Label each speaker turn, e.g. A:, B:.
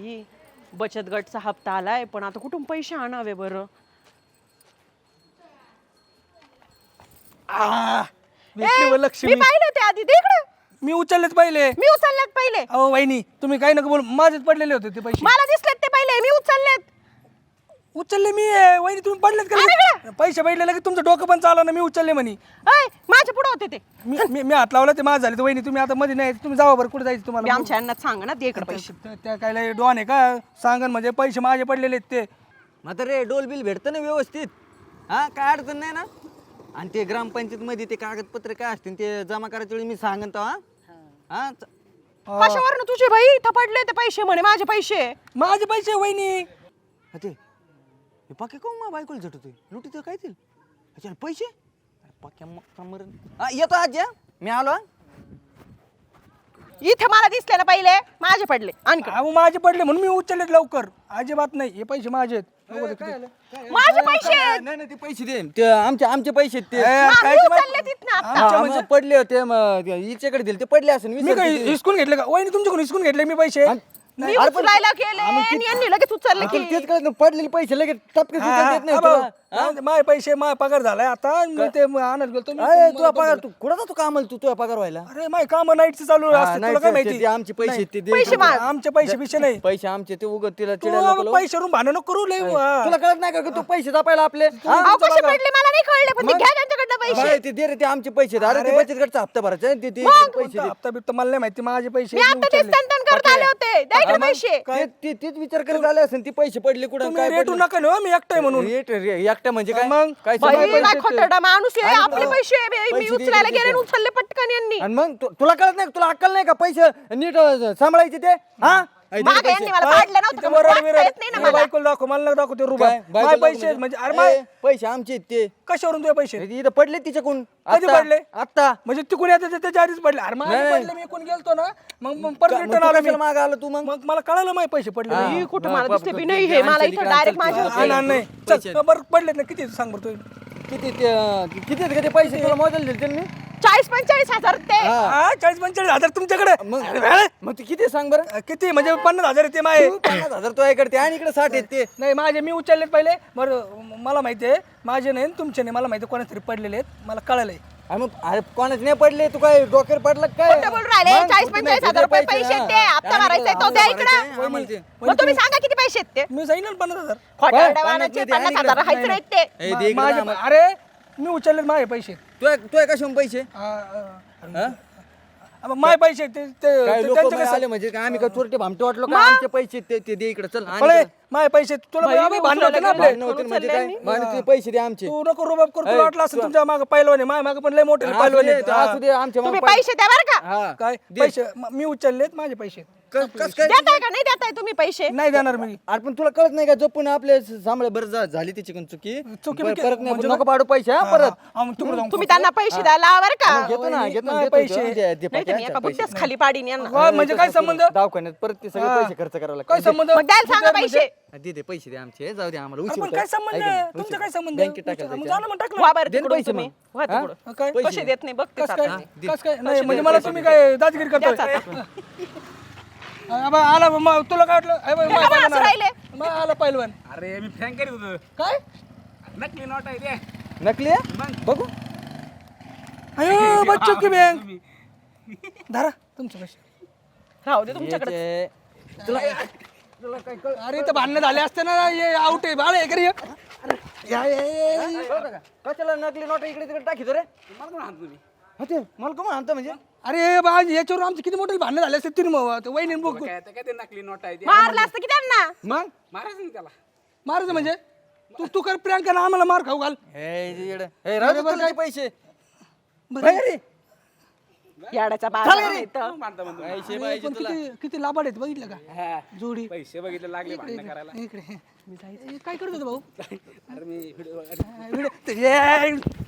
A: बाई बचत गटचा हप्ता आलाय पण आता कुठून पैसे आणावे बरं.
B: भेटली व
A: मी
B: लक्ष्मी.
A: पाहिलं ते आधी तिकडे
B: मी उचललेच पहिले.
A: मी उचललेत पहिले.
B: अहो वहिनी तुम्ही काही नका बोल, माझेच पडलेले होते ते पैसे.
A: मला दिसलेत ते पहिले मी उचललेत.
B: उचलले मी वहिनी, तुम्ही पडलेत का? पैसे भेटले लगेच तुमचं डोकं पण चाललं ना, मी उचलले म्हणे.
A: अय माझ्या पुढे होते ते.
B: मी हात लावला ते माझं झाले. तर वहिनी तुम्ही आता मध्ये नाही, तुम्ही जावा बरं, कुठे जायचं
A: मी
B: तुम्हाला?
A: आमच्या यांना सांगा ना दे इकडे पैसे.
B: त्या काय लय डॉन आहे का सांगन, म्हणजे पैसे माझे पडलेले आहेत ते.
C: मात्र रे डोल बिल भेटतं ना व्यवस्थित, हा काय अडचण नाही ना. आणि ते ग्रामपंचायत मध्ये ते कागदपत्र काय असतील ते जमा करायच्या वेळी मी सांगन तो. हा
A: कशावरनं तुझे भाई थपडले ते पैसे म्हणे माझे पैसे.
B: माझे पैसे वहिनी.
C: ते हे पाके कोण मा बायकोला झटतोय लुटीत काय ते अच्छा पैसे पाक्या मग येतो आज या मी आलो.
A: इथे मला दिसले ना पहिले माझे पडले. आणि
B: अहो माझे पडले म्हणून मी उचलले लवकर. अजिबात नाही, हे पैसे माझे आहेत.
A: माझे पैसे
C: नाही नाही ते पैसे दे, ते आमचे पैसे आहेत ते.
B: काय ते
A: उचलले तिथनं आता.
C: हा, मग पडले होते मग हिच्याकडे दिले ते पडले असेल
B: मी काय हिसकून घेतले का वहिनी? तुमच्याकडून हिसकून घेतले मी पैसे.
A: मी उचलायला गेले आणि यांनी लगेच उचलले की.
C: तेच कळत नाही, पडलेले पैसे लगेच टपके देत नाही तुला.
B: माझे पैसे माझा पगार झालाय आता. मी ते आणत गेलो.
C: अरे तुला पगार तू कुठं जातो कामाला तुझा पगार व्हायला?
B: अरे माझे काम नाईटचे चालू
C: हा,
B: असते,
C: नाही,
B: तुला काय
C: ते-
B: माहिती?
C: ते आमचे पैसे ते दे.
A: पैसे माग.
B: आमचे पैसे बिशे नाही.
C: पैसे आमचे ते उगत तिला चिडायला नको
B: तू
C: लावू.
B: पैशावरून भांडण नको करू लय.
C: तुला कळत नाही का तू पैसे जपायला आपले? हा?
A: अहो, कसे पडले मला नाही कळले पण ते घ्या त्यांच्याकडनं पैसे.
C: बाई, ते दे रे ते आमचे पैसे आहेत. अरे ते बचत गटचा हप्ता भरायचा आहे, ते पैसे दे.
B: हप्ता बिप्ता मला नाही माहिती. माझे पैसे
A: मी आता ते स्तन करत आले होते द्या इकडे पैसे.
C: तेच विचार करत आले असेल ती पैसे पडले कुठं
B: तुम्ही
C: काय
B: रेटू नका ना, मी एकटाय म्हणून.
C: एकटा म्हणजे काय
B: मग?
C: काय
A: बाई,
C: समज-
A: काय खोटरडा माणूस आहे.
C: आणि-
A: आपले पैसे मी
C: पैसे दे,
A: उचलायला
C: दे,
A: गेले
C: दे.
A: आणि उचलले पटकन यांनी.
C: आणि मग तुला कळत नाही, तुला अक्कल नाही का पैसे नीट सांभाळायचे ते? हा ऐ, दे
A: मागे
C: पैसे.
A: यांनी मला पाडलं नव्हतं
B: किती
A: का? मला
B: वरड
A: वाचता
B: बिरड.
A: येत नाही ना
B: हे
A: मला.
B: बायकोला दाखव, मला नका दाखव ते रुबाब.
C: काय?
B: माझे
C: बायकोला
B: पैसे
C: म्हणजे?
B: म्हणजे अरे माय
C: ए, पैसे आमचे आहेत ते.
B: कशावरून तुझे पैसे?
C: इथं पडले तिच्याकडून.
B: कधी
C: आत्ता-
B: पडले?
C: आत्ता
B: म्हणजे तिकडून येते त्याच्या आधीच पडले. अरे माझे
C: नाही.
B: पडले, मी कोण गेलतो ना, मग परत
C: मग
B: रिटर्न
C: तू
B: आला मी.
C: कशाला मागं आला तू मग?
B: मग मला कळालं माझे पैसे पडले.
C: हा.
A: ही कुठं
C: हा,
A: मला
C: बाप
A: दिसते
C: रे,
A: बी
C: ते
A: नाही हे. मला
C: आणशील
A: इथं
C: इकडे,
A: डायरेक्ट
C: आणशील
A: माझे
C: तिकडे.
A: होते.
B: नाही.
C: पैसे.
B: चल, बरं पडलेत ना, किती सांग बरं तू?
C: किती आहेत का ते पैसे तुला मोजायला दिले त्यांनी?
A: 40-45 हजार ते.
B: हा 40-45 हजार
C: मग
B: तुमच्याकडे.
C: मग ते किती सांग बरं?
B: किती म्हणजे 50,000 येते माझे.
C: तू 50,000 तो इकडे ते आणि इकडे 60 आहेत ते.
B: नाही माझे मी उचललेत पहिले. बरं मला माहिती आहे माझे नाही तुमचे नाही. मला माहिती आहे कोणातरी पडलेले आहेत, मला कळलंय.
C: अरे मग अरे कोणाच नाही पडले, तू काय डोक्यावर पडला काय?
A: खोटं बोलून राहिले.
C: मग
A: 40-45 हजार रुपये पैसे आहेत ते. हप्ता भरायचा आहे तो द्या इकडं. मग तुम्ही सांगा किती पैसे आहेत ते.
B: मी जाईन ना 50,000.
A: खोटरडा मानाचे 50,000 हायच नाहीत ते.
C: ए, दे इकडे
B: माझे
C: आम्हाला.
B: अरे मी उचललेत माझे पैसे.
C: तू कशाहून पैसे?
B: हा? माझे पैसे
C: काय लोक
B: त्यांचे
C: आले म्हणजे काय आम्ही काय चोरटे भामटे वाटलो का? आमचे पैसे ते दे इकडे चल आणि इकडे.
B: माझे पैसे तुला
A: बाई,
B: आम्ही भांडण होते ना आपले.
C: भांडणं होतील म्हणजे काय? भांडणं ते पैसे दे आमचे.
B: तू नको रुबाब करू. तुला वाटलं असं तुमच्या मागे पहिलवान आहे, माझ्या मागे पण लय मोठे पहिलवान आहेत.
C: असू दे आमच्या
A: तुम्ही
C: मागं
A: पैसे द्या बरं का.
C: हा.
B: काय पैसे मी उचललेत माझे पैसे.
C: कस काय?
A: देताय का नाही देताय तुम्ही पैसे.
B: नाही देणार मी.
C: अरे पण तुला कळत नाही का जपून आपले सांभाळ बरं झाली त्याची पण चुकी
B: चुकी
C: बरं,
B: बिकी-
C: परत नाही
B: म्हणजे
C: नको पाडू पैसे हा परत.
B: हा, मग तिकडे जाऊन
A: तुम्ही त्यांना पैसे द्यायला बरं का.
C: घेतो ना घेतो ना
B: माझे
C: देतो
B: पैसे.
C: तो. दे
A: नाही तर मी एका बुद्ध्याच खाली पाडीन यांना.
B: वा, म्हणजे काय संबंध?
C: दवाखान्यात परत ते सगळे पैसे खर्च करायला
B: काय
C: लागतात.
B: संबंध?
A: मग द्यायला सांगा पैसे.
C: दे दे पैसे दे आमचे जाऊ दे आम्हाला
B: अरे
C: उशीर
B: पण
C: होतोय.
B: काय संबंध?
C: ऐक ना,
B: तुमचं
C: उशीर.
B: काय संबंध?
C: बँकेत टाकायला
B: मग
C: जायचं.
B: जा ना, मग टाकलं.
A: वा बरं
C: दे ना
A: तिकडून
C: पैसे
A: तुम्ही.
C: मग.
A: वा
C: हा?
A: तिकडून.
B: काय?
A: पैसे देत नाही बघते
B: कस काय?
A: आता.
B: कस काय? नाही म्हणजे मला तुम्ही काय दादगिरी करताय? अबा, आला मग तुला काय वाटलं? अबा,
A: हे का असं राहिले?
B: मग आला पहिलवान.
D: अरे मी फ्रँक करीत होतो.
B: काय?
D: नकली नोट आहे ते.
C: नकली आहे? बघू
B: अयो बच्चू की बँक. धरा तुमचं पैसे.
A: राहू दे तुमच्याकडे.
C: याचे- तुला
B: अरे इथं भांडणं झाले असते ना. ये आउट आहे बाळ, हे घरी ये. या, या, या, या.
C: कळतं का? कशाला नकली नोट इकडे तिकडे टाकीतो रे?
D: मला कोण हाणतो तुम्ही?
C: हा ते मला का म्हणतो म्हणजे
B: अरे बा याच्यावर आमची किती मोठे भांडणं झाले असते तुम्ही वहिनी बघ.
D: काय ते नकली नोट आहे ते.
A: मारलं असतं की त्यांना.
C: मग
D: मारायचं ना त्याला.
B: मारायचं म्हणजे तू तू कर प्रियांक ना आम्हाला मार खाऊ घाल.
C: राहू दे तुला ते पैसे
B: बरं.
C: बाहेर ये.
A: याडाचा बाजार आहे इथं.
D: मग मारता म्हणतो.
C: पैसे
B: पण
C: पाहिजे तुला
B: किती किती लाभाड आहेत बघितलं का?
D: हा.
B: जोडी.
D: पैसे बघितले लागले भांडणं करायला.
B: इकडे हे काय करत होता भाऊ?
D: अरे मी व्हिडिओ
B: व्हिडिओ-